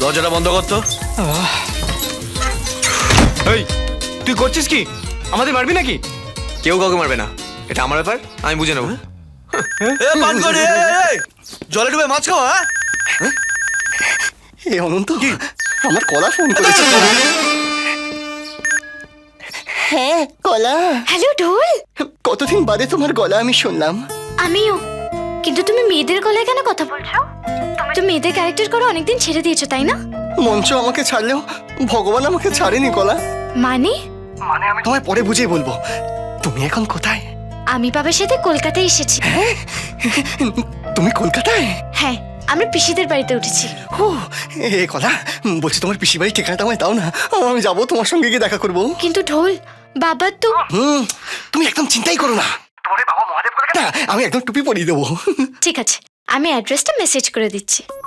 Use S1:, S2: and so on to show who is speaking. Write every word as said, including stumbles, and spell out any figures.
S1: দরজাটা বন্ধ কর তো।
S2: এই তুই করছিস কি? আমাদের মারবি নাকি?
S1: কেউ কাউকে মারবে না, এটা আমার ব্যাপার, আমি বুঝে নেবো। এ পান করে জলে ডুবে মাছ খাওয়া। হ্যাঁ
S3: এ অনন্ত, আমার কলা ফোন করেছে। হ্যাঁ কলা।
S4: হ্যালো ঢোল।
S3: কতদিন বাদে তোমার গলা আমি শুনলাম।
S4: আমিও। কিন্তু তুমি মেয়েদের গলায় কেন কথা বলছো? তুমি তো মেয়েদের ক্যারেক্টার করে অনেকদিন ছেড়ে দিয়েছো, তাই না?
S3: মঞ্চ আমাকে ছাড়লেও ভগবান আমাকে ছাড়েনি কলা।
S4: মানে?
S3: মানে আমি তোমায় পরে বুঝিয়ে বলবো। তুমি এখন কোথায়?
S4: আমি বাবার সাথে কলকাতায় এসেছি।
S3: তুমি কলকাতায়?
S4: হ্যাঁ, আমরা পিসিদের বাড়িতে উঠেছি।
S3: ও এ কলা, বলছি তোমার পিসি বাড়ির ঠিকানাটা আমায় দাও না, আমি যাবো তোমার সঙ্গে গিয়ে দেখা করবো।
S4: কিন্তু ঢোল, বাবা তো।
S3: হুম, তুমি একদম চিন্তাই করো না, তোমার বাবা মহাদেব না, আমি একদম টুপি পরিয়ে দেবো।
S4: ঠিক আছে, আমি অ্যাড্রেসটা মেসেজ করে দিচ্ছি।